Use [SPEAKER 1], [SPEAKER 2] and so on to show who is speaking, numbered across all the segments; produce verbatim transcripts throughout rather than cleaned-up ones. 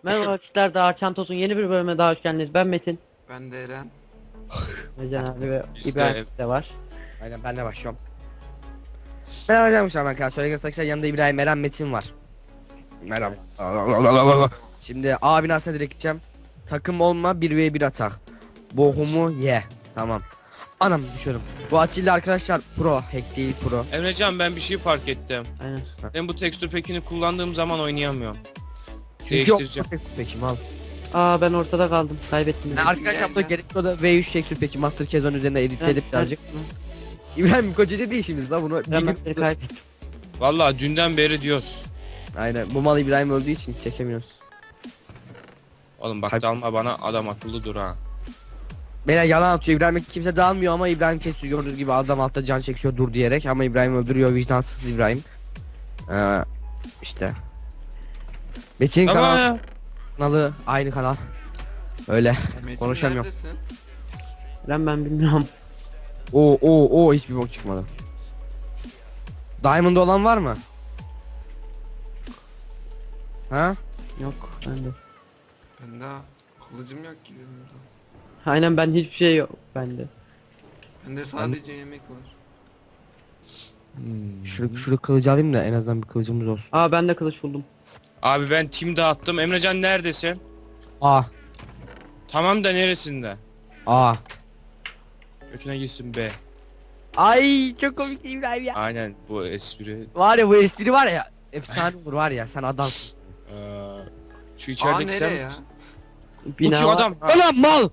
[SPEAKER 1] Merhaba arkadaşlar, Dağ Çantos'un yeni bir bölümüne daha hoş geldiniz. Ben Metin.
[SPEAKER 2] Ben de Eren.
[SPEAKER 1] Can abi ve
[SPEAKER 3] İşte-
[SPEAKER 1] İbrahim de var.
[SPEAKER 4] Aynen ben de başlıyorum. Merhaba arkadaşlar, ben Kaan. Söyleyin arkadaşlar, yanında İbrahim, Eren, Metin var. Merhaba. Şimdi A binasına direkt gideceğim. Takım olma, bir ve bir atak. Bohumu ye. Tamam. Anam düşüyorum. Bu Atilla arkadaşlar pro, hack değil pro.
[SPEAKER 3] Emrecan, ben bir şey fark ettim.
[SPEAKER 1] Aynen.
[SPEAKER 3] Ben bu tekstür pekini kullandığım zaman oynayamıyorum.
[SPEAKER 4] Çünkü
[SPEAKER 3] Değiştireceğim.
[SPEAKER 4] yok. Peki mal.
[SPEAKER 1] Aa ben ortada kaldım. Kaybettim.
[SPEAKER 4] Yani arkadaşlar bu gerekli o da V üç tekstür peki Master Kezon üzerine editledim
[SPEAKER 1] Evet,
[SPEAKER 4] birazcık.
[SPEAKER 1] evet.
[SPEAKER 4] İbrahim kocacı değil işimiz la bunu. Bir
[SPEAKER 1] Ben
[SPEAKER 4] gün...
[SPEAKER 1] ben kaybettim.
[SPEAKER 3] Vallahi dünden beri diyoruz.
[SPEAKER 4] Aynen bu mal İbrahim öldüğü için çekemiyoruz.
[SPEAKER 3] Oğlum bak
[SPEAKER 4] Kayb-
[SPEAKER 3] dalma bana, adam akıllı dur ha.
[SPEAKER 4] Beyler yalan atıyor. İbrahim'e kimse dağılmıyor ama İbrahim kesiyor, gördüğünüz gibi adam altta can çekiyor dur diyerek, ama İbrahim öldürüyor, vicdansız İbrahim. Ee, işte. Metin
[SPEAKER 3] Ama
[SPEAKER 4] kanal,
[SPEAKER 3] ya.
[SPEAKER 4] kanalı aynı kanal. Öyle.
[SPEAKER 2] Metin
[SPEAKER 4] Konuşamıyorum.
[SPEAKER 2] neredesin?
[SPEAKER 1] Ben ben bilmiyorum.
[SPEAKER 4] Oo oo oo hiçbir bok çıkmadı. Diamond olan var mı? Ha?
[SPEAKER 1] Yok bende.
[SPEAKER 2] Ben daha kılıcım yok ki benim de.
[SPEAKER 1] Aynen ben hiçbir şey yok bende.
[SPEAKER 2] Bende sadece yemek var.
[SPEAKER 4] Şu şurada kılıcı alayım da en azından bir kılıcımız olsun.
[SPEAKER 1] Aa ben de kılıç buldum.
[SPEAKER 3] Abi ben tim dağıttım. Emrecan neredesin?
[SPEAKER 4] A
[SPEAKER 3] Tamam da neresinde?
[SPEAKER 4] A.
[SPEAKER 3] Götüne gitsin be.
[SPEAKER 4] Ay çok komik İbrahim ya.
[SPEAKER 3] Aynen bu espri.
[SPEAKER 4] Var ya bu espri var ya. Efsane olur var ya, sen adamsın.
[SPEAKER 3] Ee, şu
[SPEAKER 2] Aa
[SPEAKER 3] içerideki sen
[SPEAKER 2] nereye ya?
[SPEAKER 3] misin? Bu
[SPEAKER 1] Bina
[SPEAKER 3] kim
[SPEAKER 1] var.
[SPEAKER 3] adam? Ha,
[SPEAKER 4] Ulan mal.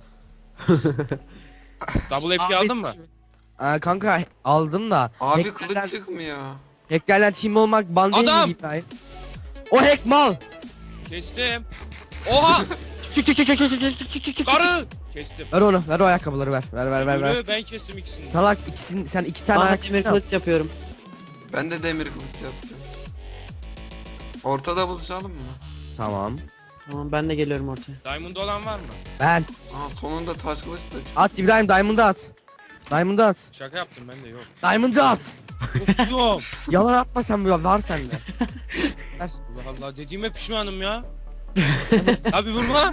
[SPEAKER 3] double F P aldın mı?
[SPEAKER 4] Aa, kanka aldım da.
[SPEAKER 2] Abi
[SPEAKER 4] hacklerden-
[SPEAKER 2] kılıç çıkmıyor.
[SPEAKER 4] Hacklerden team olmak ban değil
[SPEAKER 3] Adam!
[SPEAKER 4] mi İbrahim? O hack mal.
[SPEAKER 3] Kestim. Oha!
[SPEAKER 4] Çık çık çık çık çık çık çık çık çık çık.
[SPEAKER 3] Karı! Kestim.
[SPEAKER 4] Ver onu, ver o ayakkabıları ver. Ver ver ver ver.
[SPEAKER 3] Yürü, ben kestim ikisini.
[SPEAKER 4] Salak ikisini, sen iki tane
[SPEAKER 1] Aa
[SPEAKER 4] ayakkabı
[SPEAKER 1] demir
[SPEAKER 4] yap.
[SPEAKER 1] kılıç yapıyorum.
[SPEAKER 2] Ben de demir kılıç yapacağım. Ortada buluşalım mı?
[SPEAKER 4] Tamam.
[SPEAKER 1] Tamam ben de geliyorum ortaya.
[SPEAKER 3] Diamond olan var mı?
[SPEAKER 4] Ben.
[SPEAKER 2] Aa sonunda taş kılıç da çıktı.
[SPEAKER 4] At İbrahim, Diamond'ı at. Diamond'ı at.
[SPEAKER 3] Şaka yaptım, ben de yok.
[SPEAKER 4] Diamond'ı at.
[SPEAKER 3] Of, yok.
[SPEAKER 4] Yalan atma sen, bu var sende. Ver.
[SPEAKER 3] Allah Allah, dediğime pişmanım ya. Abi vurma.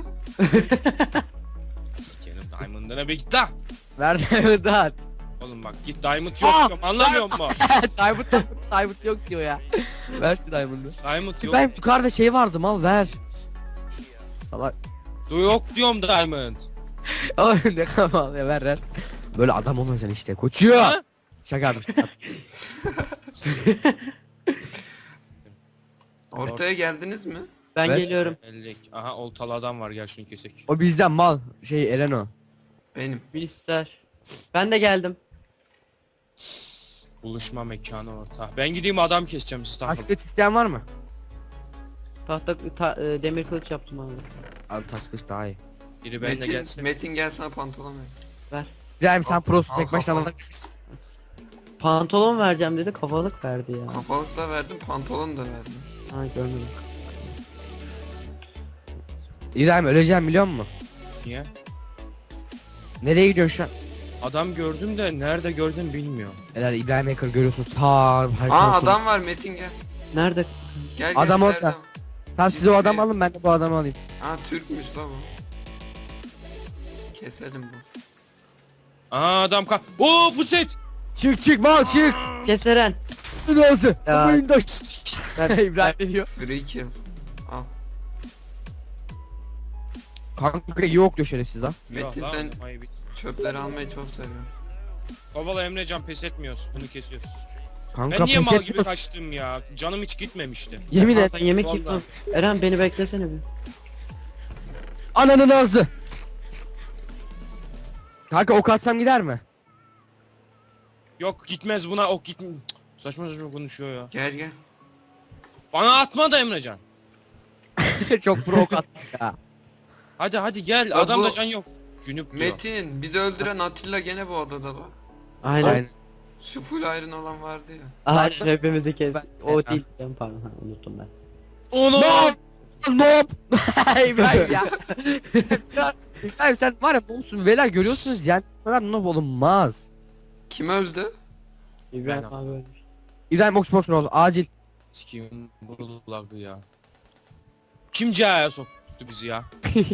[SPEAKER 3] Sikerim Diamond'ına, be git la.
[SPEAKER 4] Ver Diamond'ı at.
[SPEAKER 3] Oğlum bak git, Diamond yok
[SPEAKER 4] Aa!
[SPEAKER 3] diyorum, anlamıyor musun?
[SPEAKER 4] Diamond yok, Diamond yok diyor ya. Ver şu Diamond'ı.
[SPEAKER 3] Diamond yok.
[SPEAKER 4] İbrahim yukarıda şey vardı, mal ver. Salak.
[SPEAKER 3] Du yok diyorum Diamond.
[SPEAKER 4] Oğlum ne kadar mal ya, ver ver. Böyle adam olmayacaksın işte koçuyor.
[SPEAKER 3] Ha?
[SPEAKER 4] Şaka yapmış. şaka.
[SPEAKER 2] Ortaya geldiniz mi?
[SPEAKER 1] Ben
[SPEAKER 4] Evet.
[SPEAKER 1] geliyorum.
[SPEAKER 3] ellik. Aha oltalı adam var, gel şunu kesek.
[SPEAKER 4] O bizden mal. Şey Eren o.
[SPEAKER 2] Benim.
[SPEAKER 1] Bilgisayar. Ben de geldim.
[SPEAKER 3] Buluşma mekanı orta. Ben gideyim adam keseceğim, siz takılın.
[SPEAKER 4] Başka isteyen var mı?
[SPEAKER 1] Tahta ta- e, demir kılıç yaptım abi.
[SPEAKER 4] Al taş kılıç daha iyi.
[SPEAKER 3] Biri benimle
[SPEAKER 2] Metin,
[SPEAKER 3] gelsin.
[SPEAKER 2] Metin gel sana pantolon ver.
[SPEAKER 4] İbrahim sen prosun,
[SPEAKER 2] al
[SPEAKER 4] tek başına
[SPEAKER 2] kafanı.
[SPEAKER 4] alabilirsin.
[SPEAKER 1] Pantolon vereceğim dedi, kafalık verdi ya.
[SPEAKER 2] Kafalık da verdim, pantolon da verdim.
[SPEAKER 1] Ha görmedim.
[SPEAKER 4] İbrahim öleceğim biliyor musun?
[SPEAKER 3] Niye?
[SPEAKER 4] Nereye gidiyorsun şu an?
[SPEAKER 3] Adam gördüm de nerede gördüm bilmiyorum.
[SPEAKER 4] Beyler İbrahim Hacker görüyorsunuz. Ta
[SPEAKER 2] Aa
[SPEAKER 4] haritanın sonu.
[SPEAKER 2] adam var Metin gel.
[SPEAKER 1] Nerede?
[SPEAKER 2] Gel gel.
[SPEAKER 4] Adam
[SPEAKER 2] ileride.
[SPEAKER 4] orada. Tamam siz o adamı alın, ben de bu adamı alayım.
[SPEAKER 2] Aa Türkmüş la bu. Keselim bu.
[SPEAKER 3] Aa adam ka... Oo puset!
[SPEAKER 4] Çık çık mal çık.
[SPEAKER 1] Keseren.
[SPEAKER 4] Ne olsun?
[SPEAKER 1] Ya.
[SPEAKER 4] Oyunda.
[SPEAKER 1] Ver.
[SPEAKER 4] İbrahim ne diyor?
[SPEAKER 2] Free kill. Al.
[SPEAKER 4] Kanka yok diyor şerefsiz lan.
[SPEAKER 2] Metin,
[SPEAKER 3] Yok lan,
[SPEAKER 2] sen-
[SPEAKER 3] oynamayı bil-
[SPEAKER 2] Çöpleri almayı çok seviyorum.
[SPEAKER 3] Kovala Emrecan, pes etmiyoruz. Bunu kesiyoruz.
[SPEAKER 4] Kanka
[SPEAKER 3] Ben niye
[SPEAKER 4] pes
[SPEAKER 3] mal gibi
[SPEAKER 4] etmiyorsun.
[SPEAKER 3] kaçtım ya? Canım hiç gitmemişti.
[SPEAKER 4] Yemin et.
[SPEAKER 1] Ben yemek
[SPEAKER 3] Vallahi.
[SPEAKER 1] yiyorum. Eren beni beklesene bir.
[SPEAKER 4] Ananın ağzı. Kanka ok atsam gider mi?
[SPEAKER 3] Yok gitmez buna, ok git. Saçma saçma konuşuyor ya.
[SPEAKER 2] Gel gel.
[SPEAKER 3] Bana atma da Emrecan.
[SPEAKER 4] Çok pro ok attım ya.
[SPEAKER 3] Hadi hadi gel,
[SPEAKER 2] Ya
[SPEAKER 3] adamda
[SPEAKER 2] bu-
[SPEAKER 3] can yok. Cünüp diyor.
[SPEAKER 2] Metin bizi öldüren Atilla gene bu odada bak.
[SPEAKER 1] Aynen.
[SPEAKER 4] Aynen.
[SPEAKER 2] Şu full iron olan vardı ya.
[SPEAKER 1] Aynen hepimizi kes.
[SPEAKER 4] Ben-
[SPEAKER 1] O
[SPEAKER 4] Ben-
[SPEAKER 1] değil. Ben pardon ha, unuttum ben.
[SPEAKER 3] Onu.
[SPEAKER 4] Nope. Nope. İbrahim ya. İbrahim sen var ya olsun beyler, görüyorsunuz yani. Bu kadar noob olunmaz.
[SPEAKER 2] Kim öldü?
[SPEAKER 1] İbrahim
[SPEAKER 3] Aynen.
[SPEAKER 1] abi ölmüş.
[SPEAKER 4] İbrahim Oxford'un oldu acil.
[SPEAKER 3] Sikiyim bu lagı ya. Kim Caha'ya sok? tuttu bizi ya.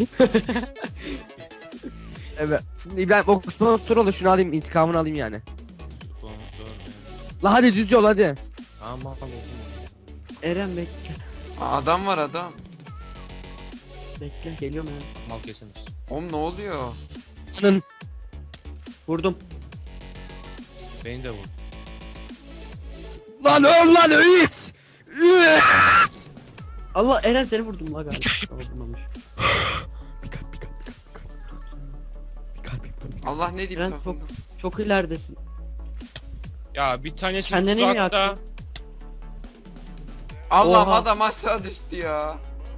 [SPEAKER 4] Evet. Şimdi İbrahim o son tur olur, şunu alayım, intikamını alayım yani.
[SPEAKER 3] Zor, zor.
[SPEAKER 4] La hadi düz yol hadi.
[SPEAKER 3] Tamam oldu.
[SPEAKER 1] Eren bekle.
[SPEAKER 2] Aa, adam var adam.
[SPEAKER 1] Bekle geliyorum Eren.
[SPEAKER 3] Mal kesemeyiz.
[SPEAKER 2] Oğlum ne oluyor?
[SPEAKER 4] Anın.
[SPEAKER 1] Vurdum.
[SPEAKER 3] Beni de vur.
[SPEAKER 4] Lan öl lan öğüt.
[SPEAKER 1] Allah Eren seni vurdum la galiba. Tamam, vurmamış.
[SPEAKER 4] Bir kalp bir kalp bir kalp bir kalp. Bir kalp bir kalp.
[SPEAKER 2] Allah ne diyeyim
[SPEAKER 1] Eren
[SPEAKER 2] tarafında.
[SPEAKER 1] çok çok ileridesin.
[SPEAKER 3] Ya bir tanesi
[SPEAKER 1] Kendini mi
[SPEAKER 3] tuzakta.
[SPEAKER 1] yaktın?
[SPEAKER 2] Allah'ım
[SPEAKER 1] Oha.
[SPEAKER 2] adam aşağı düştü ya.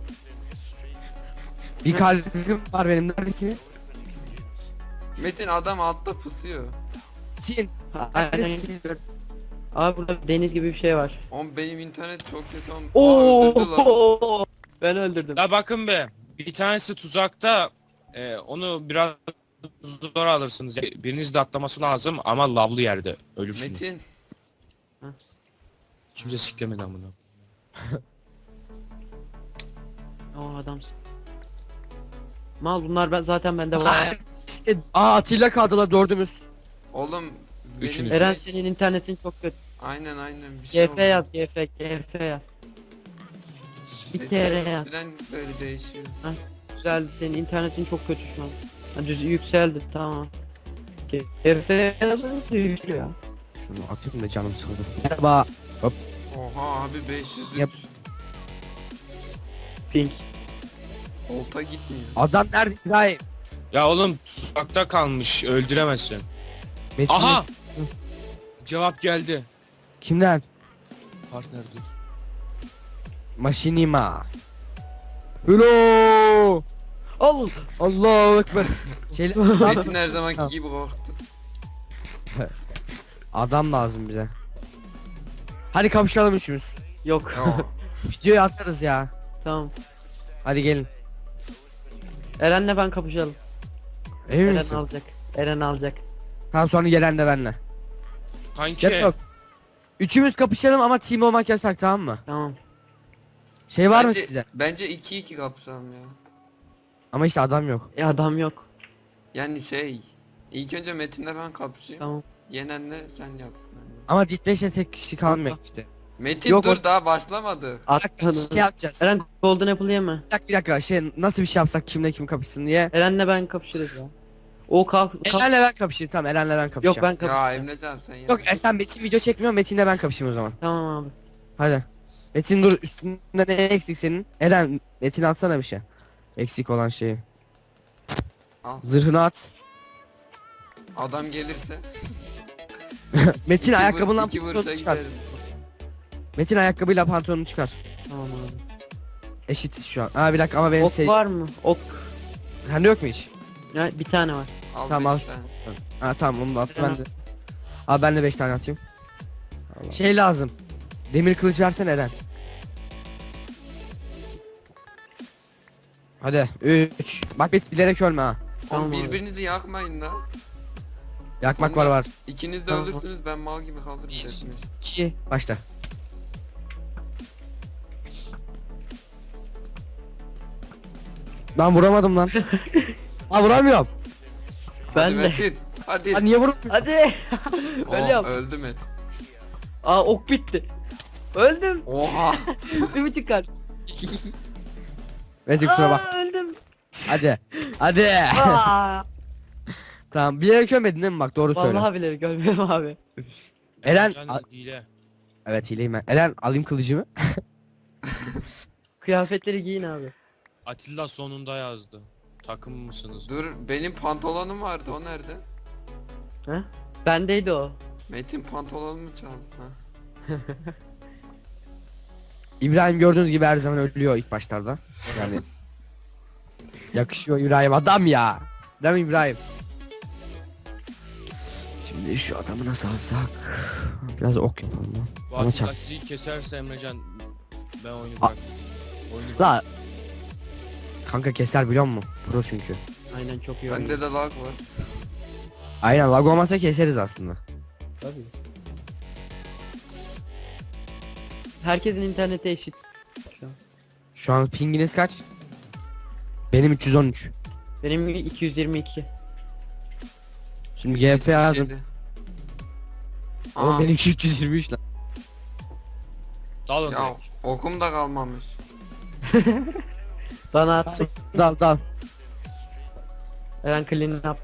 [SPEAKER 4] Bir kalbim var benim, neredesiniz?
[SPEAKER 2] Metin adam altta pusuyor.
[SPEAKER 4] Sin.
[SPEAKER 1] Ha, Eren.
[SPEAKER 4] Neredesiniz?
[SPEAKER 1] Abi burada deniz gibi bir şey var.
[SPEAKER 2] Oğlum benim internet çok kötü oğlum. Aa,
[SPEAKER 1] Oo!
[SPEAKER 2] öldürdü lan.
[SPEAKER 1] Ben öldürdüm.
[SPEAKER 3] Ya bakın be. Bir tanesi tuzakta. E, onu biraz zor alırsınız. Biriniz de atlaması lazım ama lavlı yerde ölürsünüz.
[SPEAKER 2] Metin.
[SPEAKER 3] Kimse siklemedi amına.
[SPEAKER 1] O adamsın. Mal bunlar ben zaten bende var.
[SPEAKER 4] Aa Atilla kaldı la dördümüz.
[SPEAKER 2] Oğlum benim
[SPEAKER 3] Üçünüz.
[SPEAKER 2] şey-
[SPEAKER 1] Eren senin internetin çok kötü.
[SPEAKER 2] Aynen aynen bir şey
[SPEAKER 1] G F yaz G F G F yaz. bir
[SPEAKER 2] Metin
[SPEAKER 1] kere yaz.
[SPEAKER 2] eskiden böyle değişiyor.
[SPEAKER 1] Güzeldi, senin internetin çok kötü şu an. Ha, düz yükseldi, tamam. G F yazınca yükseliyor ya.
[SPEAKER 4] Şunu atayım da canım sıkıldı. Merhaba.
[SPEAKER 2] Oha abi beş yüz
[SPEAKER 4] Yap.
[SPEAKER 1] Pink.
[SPEAKER 2] Olta gitmiyor.
[SPEAKER 4] Adam nerede İbrahim?
[SPEAKER 3] Ya oğlum tuzakta kalmış öldüremezsin.
[SPEAKER 4] Metin
[SPEAKER 3] Aha!
[SPEAKER 4] Mes-
[SPEAKER 3] Cevap geldi.
[SPEAKER 4] Kimden?
[SPEAKER 3] Partner dur.
[SPEAKER 4] Maşinima. Hello.
[SPEAKER 1] Allah!
[SPEAKER 4] Allahu ekber. Şeyler
[SPEAKER 2] Metin her zamanki
[SPEAKER 4] Tamam.
[SPEAKER 2] gibi korktu.
[SPEAKER 4] adam lazım bize. Hadi kapışalım üçümüz.
[SPEAKER 1] Yok.
[SPEAKER 2] Ya.
[SPEAKER 4] Videoyu atarız ya.
[SPEAKER 1] Tamam.
[SPEAKER 4] Hadi gelin.
[SPEAKER 1] Eren'le ben kapışalım.
[SPEAKER 4] Emin
[SPEAKER 1] Eren
[SPEAKER 4] misin?
[SPEAKER 1] alacak. Eren alacak.
[SPEAKER 4] Tamam sonra gelen de benle.
[SPEAKER 3] Kanki.
[SPEAKER 4] Gel sok. Üçümüz kapışalım ama team olmak yasak, tamam mı?
[SPEAKER 1] Tamam.
[SPEAKER 4] Şey var
[SPEAKER 2] bence,
[SPEAKER 4] mı sizde?
[SPEAKER 2] Bence iki iki kapışalım ya.
[SPEAKER 4] Ama işte adam yok.
[SPEAKER 1] E adam yok.
[SPEAKER 2] Yani şey. İlk önce Metin'le ben kapışayım.
[SPEAKER 1] Tamam.
[SPEAKER 2] Yenenle sen yap.
[SPEAKER 4] Ama Ditleş'e tek kişi kalmıyor işte.
[SPEAKER 2] Metin
[SPEAKER 4] Yok,
[SPEAKER 2] dur
[SPEAKER 4] o-
[SPEAKER 2] daha başlamadı.
[SPEAKER 1] At
[SPEAKER 4] Bir dakika, şey yapacağız.
[SPEAKER 1] Eren Golden Apple yeme.
[SPEAKER 4] Bir dakika, bir dakika şey nasıl bir şey yapsak, kimle kim kapışsın diye.
[SPEAKER 1] Eren'le ben kapışırız ya. O kalk. kalk.
[SPEAKER 4] Eren'le ben kapışayım, tamam Eren'le ben kapışacağım.
[SPEAKER 1] Yok ben
[SPEAKER 2] Ya
[SPEAKER 1] kapışacağım.
[SPEAKER 2] Emrecan sen yap.
[SPEAKER 4] Yok e, sen Metin video çekmiyor, Metin'le ben kapışayım o zaman.
[SPEAKER 1] Tamam abi.
[SPEAKER 4] Hadi. Metin dur, üstünde ne eksik senin? Eren Metin atsana bir şey. Eksik olan şeyi.
[SPEAKER 2] Al.
[SPEAKER 4] Zırhını at.
[SPEAKER 2] Adam gelirse.
[SPEAKER 4] Metin
[SPEAKER 2] iki vur-
[SPEAKER 4] ayakkabından
[SPEAKER 2] iki vuruşa
[SPEAKER 4] pantolonu çıkar.
[SPEAKER 2] giderim.
[SPEAKER 4] Metin ayakkabıyla pantolonunu çıkar.
[SPEAKER 1] Tamam abi.
[SPEAKER 4] Eşitiz şu an. Aa bir dakika ama benim
[SPEAKER 1] Ok
[SPEAKER 4] şey...
[SPEAKER 1] var mı? Ok.
[SPEAKER 4] Sende yok mu hiç?
[SPEAKER 1] Ya bir tane var.
[SPEAKER 2] Al
[SPEAKER 4] Tamam,
[SPEAKER 2] beş
[SPEAKER 4] al.
[SPEAKER 2] tane.
[SPEAKER 4] Ha tamam onu da at
[SPEAKER 1] Eren
[SPEAKER 4] ben de. Abi ben de beş tane atayım. Şey lazım. Demir kılıç versene Eren. Hadi üç. Bak bit bilerek ölme ha.
[SPEAKER 1] Tamam
[SPEAKER 2] Oğlum
[SPEAKER 1] abi.
[SPEAKER 2] birbirinizi yakmayın da.
[SPEAKER 4] Yakmak
[SPEAKER 2] Sonra-
[SPEAKER 4] var var.
[SPEAKER 2] İkiniz de
[SPEAKER 1] Tamam.
[SPEAKER 2] ölürsünüz ben mal gibi kalırım.
[SPEAKER 4] Bir.
[SPEAKER 2] dersiniz.
[SPEAKER 4] İki. Başla. Lan vuramadım lan. Ha vuramıyorum.
[SPEAKER 2] Hadi
[SPEAKER 1] Ben de.
[SPEAKER 2] Metin. Hadi.
[SPEAKER 4] Ha niye vuramıyorum?
[SPEAKER 1] Hadi.
[SPEAKER 2] Oh,
[SPEAKER 1] Ölüyorum.
[SPEAKER 2] öldü Metin.
[SPEAKER 1] Aa ok bitti. Öldüm.
[SPEAKER 2] Oha.
[SPEAKER 1] Bir buçuk kalp.
[SPEAKER 4] Metin kusura bak.
[SPEAKER 1] Aa, öldüm.
[SPEAKER 4] Hadi. Hadi.
[SPEAKER 1] Aa.
[SPEAKER 4] Tamam bilerek ölmedin değil mi, bak doğru söyle.
[SPEAKER 1] Vallahi bile görmüyorum abi.
[SPEAKER 4] Eren-
[SPEAKER 3] Can
[SPEAKER 4] a-
[SPEAKER 3] hile.
[SPEAKER 4] Evet hileyim ben. Eren alayım kılıcımı.
[SPEAKER 1] Kıyafetleri giyin abi.
[SPEAKER 3] Atilla sonunda yazdı. Takım mısınız?
[SPEAKER 2] Dur benim pantolonum vardı o nerede?
[SPEAKER 1] Ha? Bendeydi o.
[SPEAKER 2] Metin pantolonumu çaldı ha.
[SPEAKER 4] İbrahim gördüğünüz gibi her zaman ölüyor ilk başlarda. Yani yakışıyor İbrahim, adam ya. Değil mi İbrahim? Şimdi şu adamı nasıl alsak? Biraz ok yapalım lan.
[SPEAKER 3] Bu
[SPEAKER 4] Ama
[SPEAKER 3] Atilla
[SPEAKER 4] çak.
[SPEAKER 3] sizi keserse Emrecan ben oyunu
[SPEAKER 4] A-
[SPEAKER 3] bırak. Oyunu
[SPEAKER 4] La. Kanka keser biliyor musun? Pro çünkü.
[SPEAKER 1] Aynen çok iyi oynuyor.
[SPEAKER 2] Bende de lag var.
[SPEAKER 4] Aynen lag olmasa keseriz aslında.
[SPEAKER 1] Tabii. Herkesin interneti eşit. Şu an.
[SPEAKER 4] Şu an pinginiz kaç? Benim üç yüz on üç.
[SPEAKER 1] Benim iki yüz yirmi iki.
[SPEAKER 4] Şimdi G F yazdım.
[SPEAKER 2] Şeydi.
[SPEAKER 4] Oğlum
[SPEAKER 2] Aa,
[SPEAKER 4] benimki üç yüz yirmi üç lan.
[SPEAKER 3] Dalın
[SPEAKER 2] ya
[SPEAKER 3] direkt.
[SPEAKER 2] okum da kalmamış.
[SPEAKER 1] Bana attı.
[SPEAKER 4] Dal dal.
[SPEAKER 1] Eren clean up.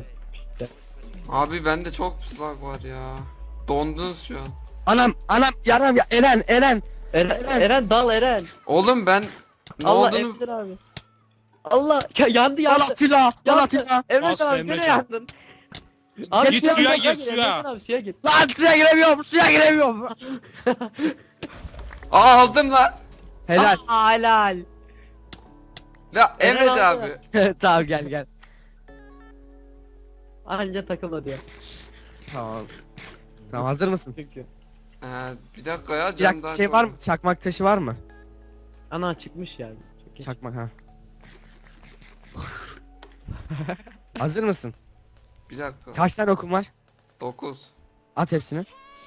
[SPEAKER 2] Abi bende çok slag var ya. Dondunuz şu an.
[SPEAKER 4] Anam anam yaram ya Eren Eren.
[SPEAKER 1] Eren,
[SPEAKER 4] Eren.
[SPEAKER 1] Eren dal Eren.
[SPEAKER 2] Oğlum ben ne
[SPEAKER 1] Allah
[SPEAKER 2] olduğunu
[SPEAKER 1] Emre abi. Allah ya, yandı
[SPEAKER 4] Al
[SPEAKER 1] yandı.
[SPEAKER 4] Atilla. Al
[SPEAKER 1] Yandı.
[SPEAKER 4] Atilla.
[SPEAKER 1] Emre
[SPEAKER 3] Bas
[SPEAKER 1] abi
[SPEAKER 3] Emre
[SPEAKER 1] nereye
[SPEAKER 3] can.
[SPEAKER 1] yandın? Abi
[SPEAKER 4] Git
[SPEAKER 1] suya
[SPEAKER 3] suya
[SPEAKER 1] gir,
[SPEAKER 3] gir,
[SPEAKER 1] Emre
[SPEAKER 3] suya.
[SPEAKER 1] abi suya gir.
[SPEAKER 4] Lan suya giremiyorum suya giremiyorum.
[SPEAKER 2] Aa aldım lan.
[SPEAKER 4] Helal.
[SPEAKER 1] Aa, helal.
[SPEAKER 2] Ya
[SPEAKER 1] Eren
[SPEAKER 2] Emre
[SPEAKER 1] aldı.
[SPEAKER 2] abi.
[SPEAKER 4] Tamam gel gel.
[SPEAKER 1] Anca takılma diyor.
[SPEAKER 4] Tamam. Tamam hazır mısın?
[SPEAKER 1] Çünkü.
[SPEAKER 2] Ee, bir dakika ya
[SPEAKER 4] Bir
[SPEAKER 2] canım
[SPEAKER 4] dakika
[SPEAKER 2] daha
[SPEAKER 4] şey
[SPEAKER 2] çok-
[SPEAKER 4] var mı? Çakmak taşı var mı?
[SPEAKER 1] Ana çıkmış yani. Çok iyi.
[SPEAKER 4] Çakmak ha. Hazır mısın?
[SPEAKER 2] Bir dakika.
[SPEAKER 4] Kaç tane okum var?
[SPEAKER 2] dokuz.
[SPEAKER 4] At hepsini.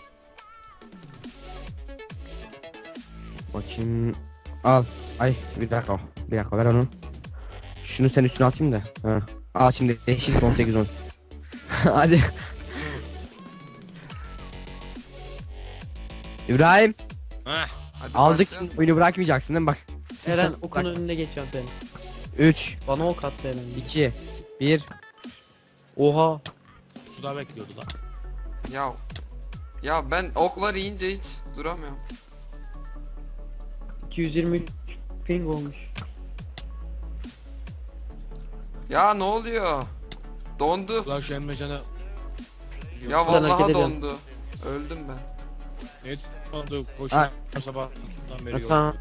[SPEAKER 4] Bakayım. Al. Ay bir dakika. Bir dakika ver onu. Şunu sen üstüne atayım da. Ha. Al şimdi eşit on sekiz on. Hadi. İbrahim
[SPEAKER 3] Heh.
[SPEAKER 2] Hadi
[SPEAKER 4] aldık
[SPEAKER 2] başlayalım.
[SPEAKER 4] şimdi oyunu bırakmayacaksın değil mi? Bak.
[SPEAKER 1] Eren okun önüne geçiyorum seni.
[SPEAKER 4] üç,
[SPEAKER 1] Bana ok attı Eren.
[SPEAKER 4] iki, bir.
[SPEAKER 1] Oha.
[SPEAKER 3] Suda bekliyordu lan.
[SPEAKER 2] Ya. Ya ben oklar yiyince hiç duramıyorum.
[SPEAKER 1] iki yüz yirmi üç ping olmuş.
[SPEAKER 2] Ya ne oluyor? Dondu.
[SPEAKER 3] Ulan şu Emrecan'a
[SPEAKER 2] Ya
[SPEAKER 1] Ben hareket
[SPEAKER 2] vallahi
[SPEAKER 1] ediyorum.
[SPEAKER 2] dondu. Öldüm ben.
[SPEAKER 3] ne oldu?
[SPEAKER 4] Ha.
[SPEAKER 3] Koşuyor sabahtan beri
[SPEAKER 1] Ha,
[SPEAKER 3] yok.
[SPEAKER 1] tamam.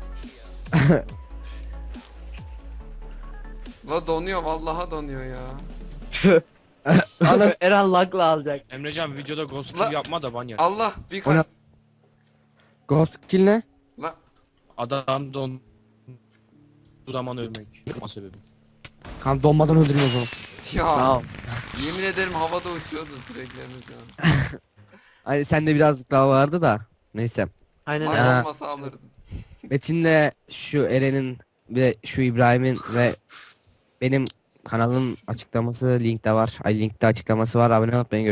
[SPEAKER 2] La donuyor vallahi donuyor ya.
[SPEAKER 4] Alın.
[SPEAKER 1] Eren lagla alacak.
[SPEAKER 3] Emrecan videoda ghost
[SPEAKER 2] La-
[SPEAKER 3] kill yapma da ban yer.
[SPEAKER 2] Allah bir
[SPEAKER 4] Ona-
[SPEAKER 2] kalp.
[SPEAKER 4] Ghost kill ne?
[SPEAKER 2] La
[SPEAKER 3] Adam don bu zaman ölmek. Yapma sebebi.
[SPEAKER 4] Kan donmadan öldürüyor o zaman.
[SPEAKER 2] ya
[SPEAKER 1] Tamam.
[SPEAKER 2] yemin ederim havada uçuyordu sürekli Emrecan.
[SPEAKER 4] Hani sende birazcık daha vardı da. Neyse.
[SPEAKER 1] Aynen
[SPEAKER 2] Ay
[SPEAKER 1] Eren.
[SPEAKER 4] Ha.
[SPEAKER 2] olmasa alırdım.
[SPEAKER 4] Metin'le şu Eren'in ve şu İbrahim'in ve benim kanalın açıklaması linkte var. Ay linkte açıklaması var. Abone olmayı unutmayın.